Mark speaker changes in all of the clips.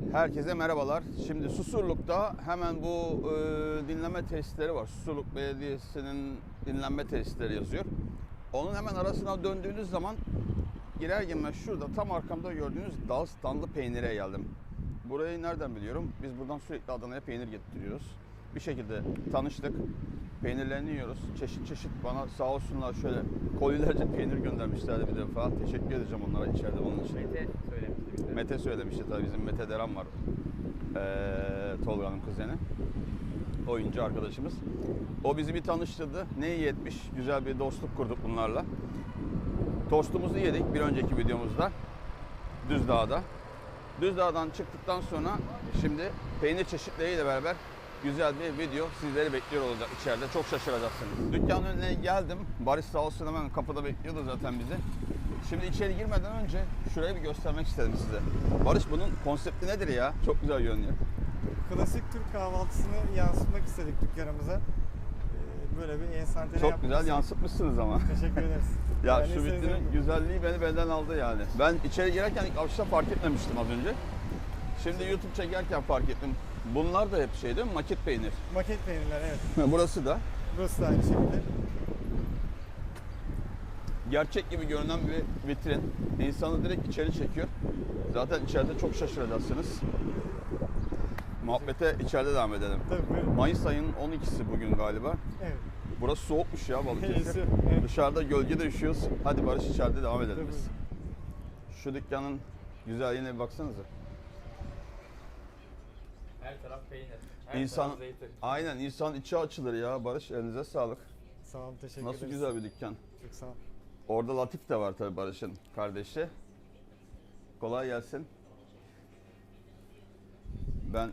Speaker 1: Herkese merhabalar. Şimdi Susurluk'ta hemen bu dinleme tesisleri var. Susurluk Belediyesi'nin dinlenme tesisleri yazıyor. Onun hemen arasına döndüğünüz zaman girer girmez şurada tam arkamda gördüğünüz Dağıstanlı peynire geldim. Burayı nereden biliyorum? Biz buradan sürekli Adana'ya peynir getiriyoruz. Bir şekilde tanıştık. Peynirlerini yiyoruz. Çeşit çeşit bana sağ olsunlar şöyle kolilerce peynir göndermişlerdi bir defa. Teşekkür edeceğim onlara içeride bunun için.
Speaker 2: Mete söylemişti bize.
Speaker 1: Mete söylemişti tabii, bizim Mete Deran var. Tolga'nın kuzeni. Oyuncu arkadaşımız. O bizi bir tanıştırdı. Ne iyi etmiş. Güzel bir dostluk kurduk bunlarla. Tostumuzu yedik bir önceki videomuzda. Düzdağ'da. Düzdağ'dan çıktıktan sonra şimdi peynir çeşitleriyle beraber güzel bir video sizleri bekliyor olacak içeride. Çok şaşıracaksınız. Dükkanın önüne geldim. Barış sağ olsun hemen kapıda bekliyordu zaten bizi. Şimdi içeri girmeden önce şurayı bir göstermek istedim size. Barış, bunun konsepti nedir ya? Çok güzel görünüyor.
Speaker 3: Klasik Türk kahvaltısını yansıtmak istedik dükkanımıza. Böyle bir enstantane
Speaker 1: Çok
Speaker 3: yapmak
Speaker 1: güzel
Speaker 3: istedik.
Speaker 1: yansıtmışsınız ama.
Speaker 3: Teşekkür ederiz.
Speaker 1: Ya
Speaker 3: Yani
Speaker 1: şu vitrinin
Speaker 3: sizin-
Speaker 1: güzelliği beni benden aldı yani. Ben içeri girerken ilk başta fark etmemiştim az önce. Şimdi YouTube çekerken fark ettim. Bunlar da hep şey değil mi? Maket peynir.
Speaker 3: Maket peynirler, evet.
Speaker 1: Burası da
Speaker 3: Burası da aynı şekilde.
Speaker 1: gerçek gibi görünen bir vitrin. İnsanı direkt içeri çekiyor. Zaten içeride çok şaşıracaksınız. Muhabbete içeride devam edelim.
Speaker 3: Tabii buyurun.
Speaker 1: Mayıs ayının 12'si bugün galiba.
Speaker 3: Evet.
Speaker 1: Burası soğukmuş ya Balıkesir.
Speaker 3: Neyse, evet.
Speaker 1: Dışarıda gölgede üşüyoruz. Hadi Barış içeride devam edelim
Speaker 3: Tabii.
Speaker 1: biz. Şu dükkanın güzelliğine bir baksanıza.
Speaker 2: Her taraf peynir. Her
Speaker 1: İnsan,
Speaker 2: taraf zeytin.
Speaker 1: aynen insan içi açılır ya Barış, elinize sağlık.
Speaker 3: Sağ olun, teşekkür
Speaker 1: Nasıl
Speaker 3: ederiz.
Speaker 1: güzel bir dükkan.
Speaker 3: Çok sağ olun.
Speaker 1: Orada Latif de var tabii, Barış'ın kardeşi. Kolay gelsin. Ben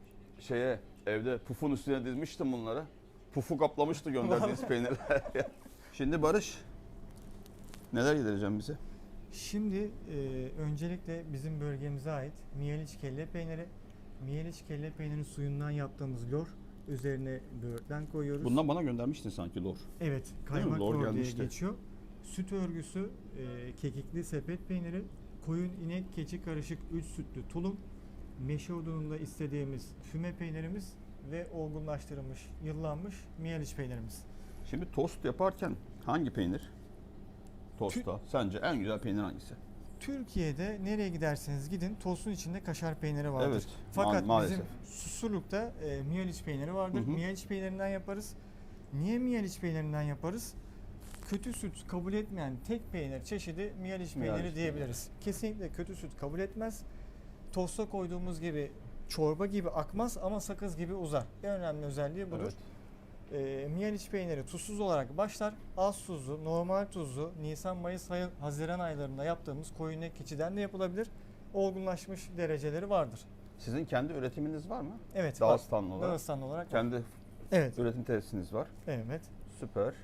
Speaker 1: evde pufun üstüne dizmiştim bunları. Pufu kaplamıştı gönderdiğiniz peynirler. Şimdi Barış, neler yedireceğim bize?
Speaker 3: Şimdi öncelikle bizim bölgemize ait Miyeliç kelle peyniri. Miyeliç kelle peynirinin suyundan yaptığımız lor. Üzerine böğürtlen koyuyoruz.
Speaker 1: Bundan bana göndermiştin sanki lor.
Speaker 3: Evet,
Speaker 1: mi?
Speaker 3: kaymak
Speaker 1: Lor
Speaker 3: lor diye
Speaker 1: gelmişti.
Speaker 3: geçiyor. Süt örgüsü, kekikli sepet peyniri, koyun inek keçi karışık 3 sütlü tulum, meşe odununda istediğimiz füme peynirimiz ve olgunlaştırılmış, yıllanmış Miyeliç peynirimiz.
Speaker 1: Şimdi tost yaparken hangi peynir? Tostta sence en güzel peynir hangisi?
Speaker 3: Türkiye'de nereye giderseniz gidin tostun içinde kaşar peyniri vardır.
Speaker 1: Evet,
Speaker 3: Fakat
Speaker 1: maalesef.
Speaker 3: bizim Susurluk'ta Miyeliç peyniri vardır.
Speaker 1: Hı hı.
Speaker 3: Miyeliç peynirinden yaparız. Niye Miyeliç peynirinden yaparız? Kötü süt kabul etmeyen tek peynir çeşidi Miyeliç peyniri
Speaker 1: Miyeliç
Speaker 3: diyebiliriz. Kesinlikle kötü süt kabul etmez. Tosta koyduğumuz gibi çorba gibi akmaz ama sakız gibi uzar. En önemli özelliği budur.
Speaker 1: Evet.
Speaker 3: Miyeliç peyniri tuzsuz olarak başlar. Az tuzlu, normal tuzlu, Nisan, Mayıs, Haziran aylarında yaptığımız koyun inek keçiden de yapılabilir. Olgunlaşmış dereceleri vardır.
Speaker 1: Sizin kendi üretiminiz var mı?
Speaker 3: Evet.
Speaker 1: Dağıstanlı olarak.
Speaker 3: Dağıstanlı olarak.
Speaker 1: Kendi
Speaker 3: Evet.
Speaker 1: üretim tesisiniz var.
Speaker 3: Evet.
Speaker 1: Süper.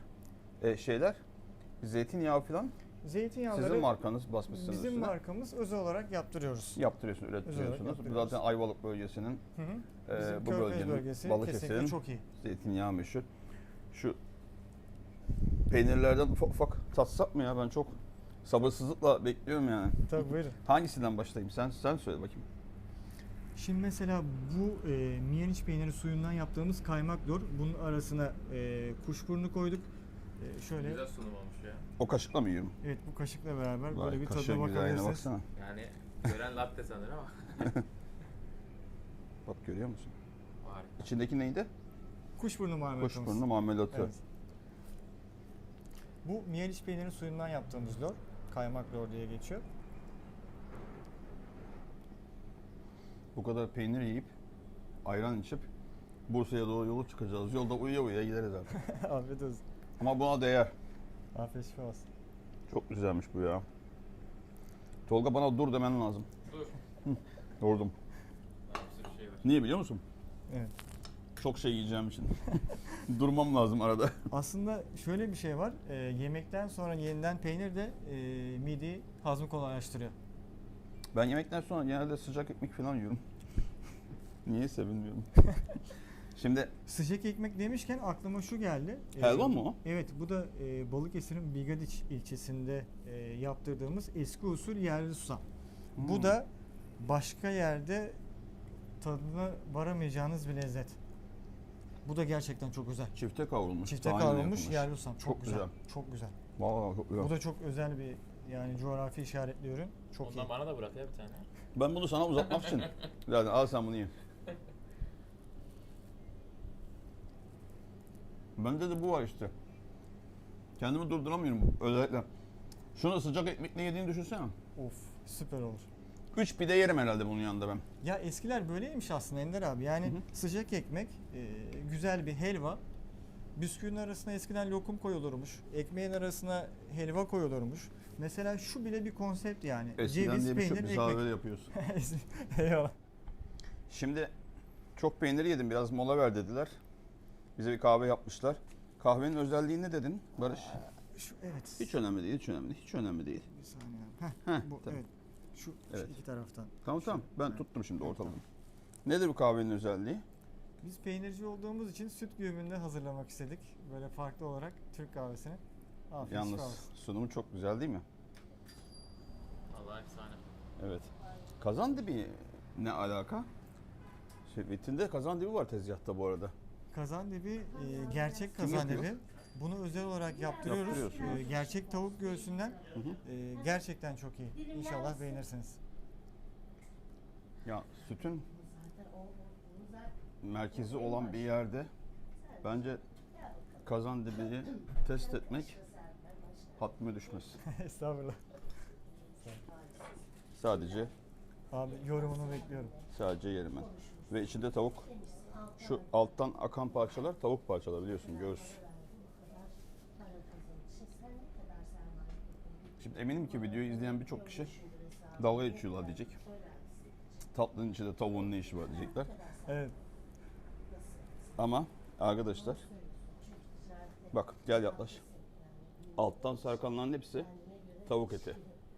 Speaker 1: Zeytinyağı falan
Speaker 3: Zeytinyağları
Speaker 1: sizin markanız basmışsınız
Speaker 3: bizim
Speaker 1: üstüne.
Speaker 3: markamız özel olarak yaptırıyoruz.
Speaker 1: Yaptırıyorsunuz,
Speaker 3: Özel olarak
Speaker 1: üretiyorsunuz.
Speaker 3: yaptırıyoruz.
Speaker 1: Zaten Ayvalık bölgesinin,
Speaker 3: Hı hı. Bizim
Speaker 1: bu
Speaker 3: Körfez
Speaker 1: bölgenin,
Speaker 3: bölgesi
Speaker 1: Balıkesir'in
Speaker 3: kesinlikle çok iyi.
Speaker 1: zeytinyağı meşhur. Şu peynirlerden ufak ufak tatsak mı ya? Ben çok sabırsızlıkla bekliyorum yani.
Speaker 3: Tabii buyurun.
Speaker 1: Hangisinden başlayayım? Sen söyle bakayım.
Speaker 3: Şimdi mesela bu Miyeliç peyniri suyundan yaptığımız kaymak lor. Bunun arasına kuşburnu koyduk. Şöyle.
Speaker 2: Güzel sunum olmuş ya.
Speaker 1: O kaşıkla mı yiyorum?
Speaker 3: Evet, bu kaşıkla beraber
Speaker 1: Vay,
Speaker 3: böyle bir
Speaker 1: kaşığın
Speaker 3: tadına
Speaker 1: güzelliğine
Speaker 3: bakabilirsiniz.
Speaker 1: baksana.
Speaker 2: Yani gören latte sanır ama
Speaker 1: Bak, görüyor musun?
Speaker 2: harika.
Speaker 1: İçindeki neydi?
Speaker 3: Kuşburnu marmelatımız.
Speaker 1: Kuşburnu marmelatı.
Speaker 3: Evet. Bu Miyeliç peyniri suyundan yaptığımız lor. Kaymak lor diye geçiyor.
Speaker 1: Bu kadar peynir yiyip, ayran içip Bursa'ya doğru yolu çıkacağız. Yolda uyuya uyuya gideriz artık.
Speaker 3: Afiyet olsun.
Speaker 1: Ama buna değer.
Speaker 3: Afiyet şifa olsun.
Speaker 1: Çok güzelmiş bu ya. Tolga, bana dur demen lazım.
Speaker 2: Dur.
Speaker 1: Durdum.
Speaker 2: Daha bir sürü şey var.
Speaker 1: Niye biliyor musun?
Speaker 3: Evet.
Speaker 1: Çok şey yiyeceğim için. Durmam lazım arada.
Speaker 3: Aslında şöyle bir şey var. Yemekten sonra yenilen peynir de mideyi hazmı kolaylaştırıyor.
Speaker 1: Ben yemekten sonra genelde sıcak ekmek falan yiyorum. Niyeyse bilmiyorum. Şimdi
Speaker 3: Sıcak ekmek demişken aklıma şu geldi.
Speaker 1: helva mı o?
Speaker 3: Evet, bu da Balıkesir'in Bigadiç ilçesinde yaptırdığımız eski usul yerli susam. Bu da başka yerde tadına varamayacağınız bir lezzet. Bu da gerçekten çok özel.
Speaker 1: Çifte kavrulmuş.
Speaker 3: Çifte
Speaker 1: tahinle
Speaker 3: kavrulmuş
Speaker 1: yapılmış.
Speaker 3: yerli ustam. Çok,
Speaker 1: Çok
Speaker 3: güzel.
Speaker 1: güzel.
Speaker 3: Çok güzel.
Speaker 1: Vallahi çok güzel.
Speaker 3: Bu da çok özel bir yani coğrafi işaretli ürün. Çok
Speaker 2: Ondan
Speaker 3: iyi.
Speaker 2: bana da bırak ya bir tane.
Speaker 1: Ben bunu sana uzatmak için. Zaten al sen bunu ye. Bende de bu var işte. Kendimi durduramıyorum özellikle. Şunu sıcak ekmekle yediğini düşünsene.
Speaker 3: Of, süper olur.
Speaker 1: 3 pide yerim herhalde bunun yanında ben.
Speaker 3: Ya eskiler böyleymiş aslında Ender abi. Yani
Speaker 1: Hı hı.
Speaker 3: sıcak ekmek, güzel bir helva. Bisküvinin arasına eskiden lokum koyulurmuş. Ekmeğin arasına helva koyulurmuş. Mesela şu bile bir konsept yani.
Speaker 1: Eskiden
Speaker 3: Ceviz,
Speaker 1: diye bir şey
Speaker 3: peynir,
Speaker 1: yok. Biz daha
Speaker 3: ekmek.
Speaker 1: böyle yapıyoruz.
Speaker 3: Eyvallah.
Speaker 1: Şimdi çok peynir yedim, biraz mola ver dediler. Bize bir kahve yapmışlar. Kahvenin özelliği ne dedin Barış?
Speaker 3: Şu, evet.
Speaker 1: Hiç önemli değil, hiç önemli değil, hiç önemli değil.
Speaker 3: Bir saniye. Heh,
Speaker 1: Heh,
Speaker 3: bu,
Speaker 1: tamam.
Speaker 3: evet. Şu
Speaker 1: Evet.
Speaker 3: iki taraftan.
Speaker 1: Tamam tamam, ben
Speaker 3: Ha.
Speaker 1: tuttum şimdi
Speaker 3: Evet,
Speaker 1: ortalamayı. Nedir bu kahvenin özelliği?
Speaker 3: Biz peynirci olduğumuz için süt güğümünde hazırlamak istedik. Böyle farklı olarak Türk kahvesini. Afiyet
Speaker 1: Yalnız
Speaker 3: şifa olsun.
Speaker 1: sunumu çok güzel değil mi?
Speaker 2: Allah efsane.
Speaker 1: Evet. Kazandibi ne alaka? Vitrinde kazandibi var tezgahta bu arada.
Speaker 3: Kazandibi gerçek
Speaker 1: Kim
Speaker 3: kazandibi.
Speaker 1: yapıyor?
Speaker 3: Bunu özel olarak yaptırıyoruz.
Speaker 1: Yaptırıyorsunuz.
Speaker 3: Gerçek tavuk göğsünden
Speaker 1: Hı hı.
Speaker 3: gerçekten çok iyi. İnşallah beğenirsiniz.
Speaker 1: Ya sütün merkezi olan bir yerde bence kazandibiyi test etmek hatmime düşmez.
Speaker 3: Estağfurullah.
Speaker 1: Sadece
Speaker 3: Abi yorumunu bekliyorum.
Speaker 1: yerim ben. Ve içinde tavuk. Şu alttan akan parçalar tavuk parçaları biliyorsun göğüs. Şimdi eminim ki videoyu izleyen birçok kişi dalga geçiyorlar diyecek. Tatlının içinde tavuğun ne işi var diyecekler.
Speaker 3: Evet.
Speaker 1: Ama arkadaşlar bak gel yaklaş. Alttan sarkanların hepsi tavuk eti.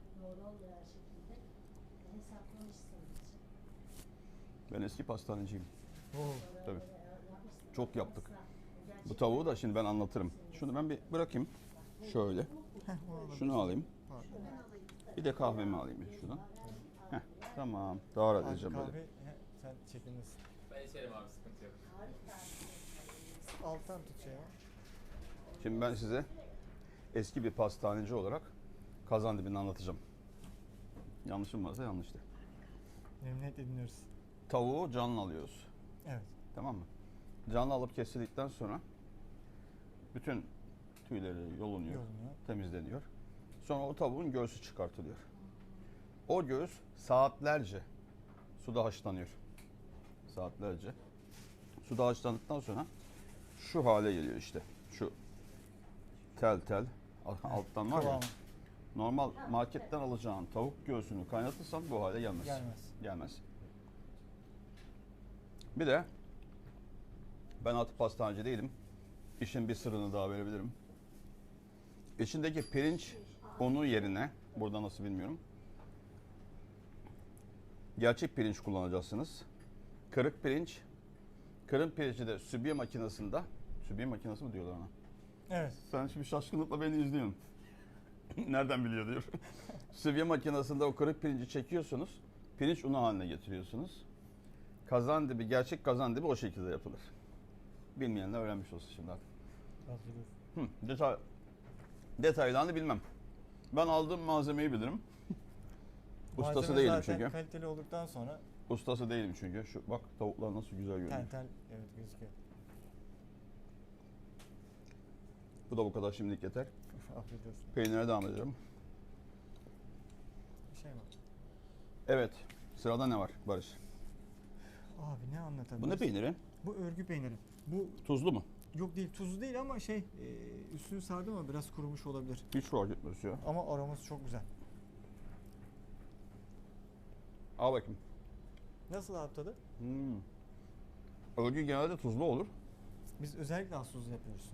Speaker 1: Ben eski pastaneciyim.
Speaker 3: Oo.
Speaker 1: Tabii. Çok yaptık. Bu tavuğu da şimdi ben anlatırım. Şunu ben bir bırakayım. Şöyle.
Speaker 3: Heh, o olabilir.
Speaker 1: Şunu alayım.
Speaker 3: Pardon.
Speaker 1: Bir de kahvemi alayım bir şuradan. Heh, tamam. Daha rahat
Speaker 3: Abi
Speaker 1: edeceğim böyle.
Speaker 3: kahve sen çekinirsin.
Speaker 2: Ben içerim abi sıkıntı yok.
Speaker 3: Alttan tut şey ya.
Speaker 1: Şimdi ben size eski bir pastaneci olarak Kazandibini anlatacağım. Yanlışım varsa yanlıştı.
Speaker 3: Memnuniyetle dinliyoruz.
Speaker 1: Tavuğu canlı alıyoruz.
Speaker 3: Evet.
Speaker 1: Tamam mı? Canlı alıp kesildikten sonra bütün tüyleri yolunuyor,
Speaker 3: Yolunuyor.
Speaker 1: temizleniyor. Sonra o tavuğun göğsü çıkartılıyor. O göğüs saatlerce suda haşlanıyor. Saatlerce. Suda haşlandıktan sonra şu hale geliyor işte. Şu tel tel alttan var ya.
Speaker 3: Kıvamı
Speaker 1: Normal marketten alacağın tavuk göğsünü kaynatırsan bu hale gelmez.
Speaker 3: gelmez.
Speaker 1: Gelmez. Bir de ben artık pastaneci değilim. İşin bir sırrını daha verebilirim. İçindeki pirinç unu yerine, burada nasıl bilmiyorum, gerçek pirinç kullanacaksınız. Kırık pirinç, kırık pirinci de sübye makinesinde, sübye makinesi mi diyorlar ona?
Speaker 3: Evet.
Speaker 1: Sen şimdi şaşkınlıkla beni izliyorsun. Nereden biliyor diyor. Sübye makinesinde o kırık pirinci çekiyorsunuz, pirinç unu haline getiriyorsunuz. Kazandibi, gerçek kazandibi o şekilde yapılır. Bilmeyenler öğrenmiş olsun şimdi artık.
Speaker 3: Hazırız.
Speaker 1: Detaylarını bilmem. Ben aldığım malzemeyi bilirim. Ustası
Speaker 3: Malzeme
Speaker 1: değilim
Speaker 3: zaten
Speaker 1: çünkü.
Speaker 3: kaliteli olduktan sonra
Speaker 1: Ustası değilim çünkü. Şu bak tavuklar nasıl güzel görünüyor.
Speaker 3: tel tel evet gözüküyor.
Speaker 1: Bu da bu kadar şimdilik yeter.
Speaker 3: Afiyet olsun.
Speaker 1: Peynire devam edelim.
Speaker 3: Bir şey var.
Speaker 1: Evet. Sırada ne var Barış?
Speaker 3: Abi ne anlatabiliriz?
Speaker 1: Bu ne peyniri?
Speaker 3: Bu örgü peyniri. Bu
Speaker 1: Tuzlu mu?
Speaker 3: yok değil tuzlu değil ama üstünü sardı ama biraz kurumuş olabilir.
Speaker 1: Hiç fark etmez ya.
Speaker 3: Ama aroması çok güzel.
Speaker 1: Al bakayım.
Speaker 3: Nasıl abi tadı?
Speaker 1: Örgü genelde tuzlu olur.
Speaker 3: Biz özellikle az tuzlu yapıyoruz.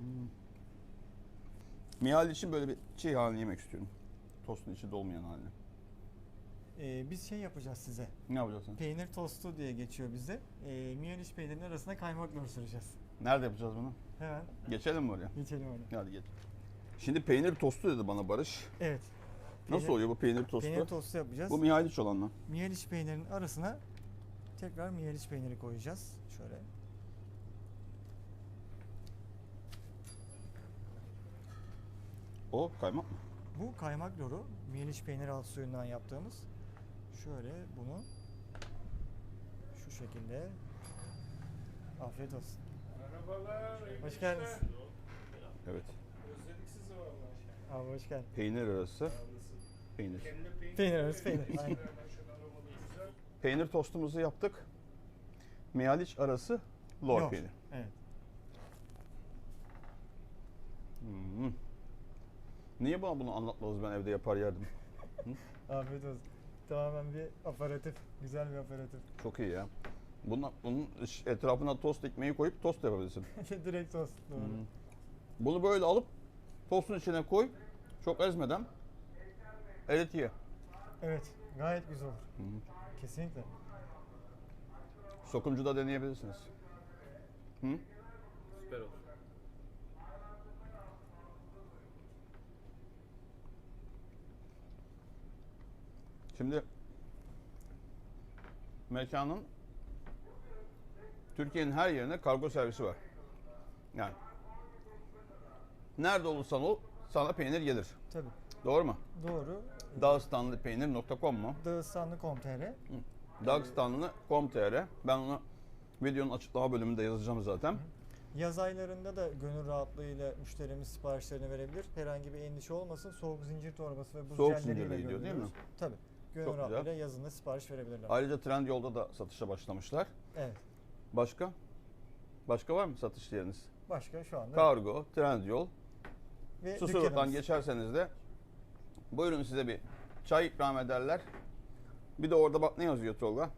Speaker 1: Mihal için böyle bir çiğ halini yemek istiyorum. Tostun içi dolmayan halini.
Speaker 3: Biz şey yapacağız size.
Speaker 1: Ne yapacaksın?
Speaker 3: Peynir tostu diye geçiyor bizde. Miyaniş peynirinin arasına kaymakla süreceğiz.
Speaker 1: Nerede yapacağız bunu?
Speaker 3: Hemen
Speaker 1: Geçelim mi oraya?
Speaker 3: geçelim öyle.
Speaker 1: Hadi geç. Şimdi peynir tostu dedi bana Barış.
Speaker 3: Evet.
Speaker 1: Nasıl oluyor bu peynir tostu?
Speaker 3: Peynir tostu yapacağız.
Speaker 1: Bu Mihaliç olan mı?
Speaker 3: Miyaniş peynirinin arasına Tekrar miyeliç peyniri koyacağız. Şöyle.
Speaker 1: O kaymak mı?
Speaker 3: Bu kaymak loru. Miyeliç peynir alt suyundan yaptığımız. Şöyle bunu şu şekilde. Afiyet olsun.
Speaker 4: Merhabalar. iyi
Speaker 3: Hoş
Speaker 4: günler.
Speaker 3: geldiniz.
Speaker 1: Evet.
Speaker 4: Özledik sizi vallahi.
Speaker 3: Abi hoş geldin.
Speaker 1: Peynir arası
Speaker 4: Sağ olasın.
Speaker 1: peynir.
Speaker 4: Kelle peynir.
Speaker 3: Peynir arası peynir, aynen.
Speaker 4: Şöyle aromalı güzel.
Speaker 1: Peynir tostumuzu yaptık. Miyaliç arası lor
Speaker 3: Lor.
Speaker 1: peynir.
Speaker 3: Evet.
Speaker 1: Hmm. Niye bana bunu anlatmadınız, ben evde yapar yerdim.
Speaker 3: Afiyet olsun. Tamamen bir aparatif. Güzel bir aparatif.
Speaker 1: Çok iyi ya. Bunun etrafına tost ekmeği koyup tost yapabilirsin.
Speaker 3: Direkt tost. Doğru.
Speaker 1: Hmm. Bunu böyle alıp tostun içine koy. Çok ezmeden erit ye.
Speaker 3: Evet. Gayet güzel olur.
Speaker 1: Hı.
Speaker 3: Kesinlikle.
Speaker 1: Sokumcuda deneyebilirsiniz. Hı?
Speaker 2: Süper olur.
Speaker 1: Şimdi mekanın Türkiye'nin her yerine kargo servisi var. Yani nerede olursan ol sana peynir gelir.
Speaker 3: Tabii.
Speaker 1: Doğru mu?
Speaker 3: Doğru.
Speaker 1: Dağıstanlıpeynir.com mu?
Speaker 3: Dağıstanlı.com.tr.
Speaker 1: Dağıstanlı.com.tr. Ben onu videonun açıklama bölümünde yazacağım zaten.
Speaker 3: Yaz aylarında da gönül rahatlığıyla müşterimiz siparişlerini verebilir. Herhangi bir endişe olmasın. Soğuk zincir torbası ve buz
Speaker 1: Soğuk
Speaker 3: jelleriyle
Speaker 1: zincirle gidiyor değil mi?
Speaker 3: gönderiyoruz. Tabii. Gönül
Speaker 1: Çok güzel.
Speaker 3: rahatlığıyla yazında sipariş verebilirler.
Speaker 1: Ayrıca Trendyol'da da satışa başlamışlar.
Speaker 3: Evet.
Speaker 1: Başka? Başka var mı satış yeriniz?
Speaker 3: Başka şu anda
Speaker 1: Kargo, Trendyol.
Speaker 3: ve
Speaker 1: Susurluk'tan
Speaker 3: dükkanımız.
Speaker 1: geçerseniz de buyurun size bir çay ikram ederler. Bir de orada bak ne yazıyor Tolga?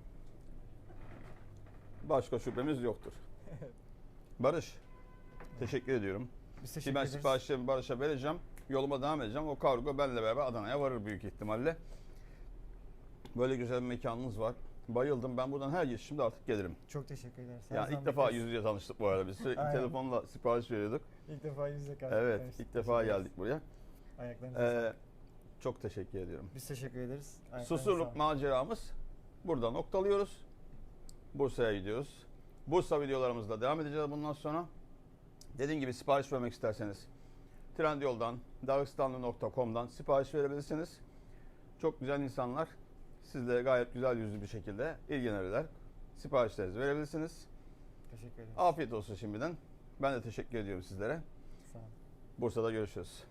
Speaker 1: Başka şüphemiz yoktur. Barış, teşekkür ediyorum.
Speaker 3: Biz
Speaker 1: Şimdi
Speaker 3: teşekkür
Speaker 1: ben
Speaker 3: ederiz.
Speaker 1: siparişlerimi Barış'a vereceğim. Yoluma devam edeceğim. O kargo benimle beraber Adana'ya varır büyük ihtimalle. Böyle güzel bir mekanınız var. Bayıldım. Ben buradan her geçişimde artık gelirim.
Speaker 3: Çok teşekkür ederiz. Her
Speaker 1: Yani
Speaker 3: zaman
Speaker 1: ilk defa
Speaker 3: bekleriz.
Speaker 1: yüz yüze tanıştık bu arada. Biz sürekli
Speaker 3: Aynen.
Speaker 1: telefonla sipariş veriyorduk.
Speaker 3: İlk defa yüz yüze
Speaker 1: Evet,
Speaker 3: tanıştık.
Speaker 1: ilk defa
Speaker 3: Teşekkür ederiz.
Speaker 1: geldik buraya.
Speaker 3: Ayaklarınıza sağlık.
Speaker 1: Çok teşekkür ediyorum.
Speaker 3: Biz teşekkür ederiz. Ayaklarınıza
Speaker 1: Susurluk
Speaker 3: sağlık.
Speaker 1: maceramız burada noktalıyoruz. Bursa'ya gidiyoruz. Bursa videolarımızla devam edeceğiz bundan sonra. Dediğim gibi sipariş vermek isterseniz Trendyol'dan, dağıstanlı.com'dan sipariş verebilirsiniz. Çok güzel insanlar. Sizle gayet güzel yüzlü bir şekilde ilgilenirler. Siparişlerinizi verebilirsiniz.
Speaker 3: Teşekkür ederiz.
Speaker 1: Afiyet olsun şimdiden. Ben de teşekkür ediyorum sizlere.
Speaker 3: Sağ olun.
Speaker 1: Bursa'da görüşürüz.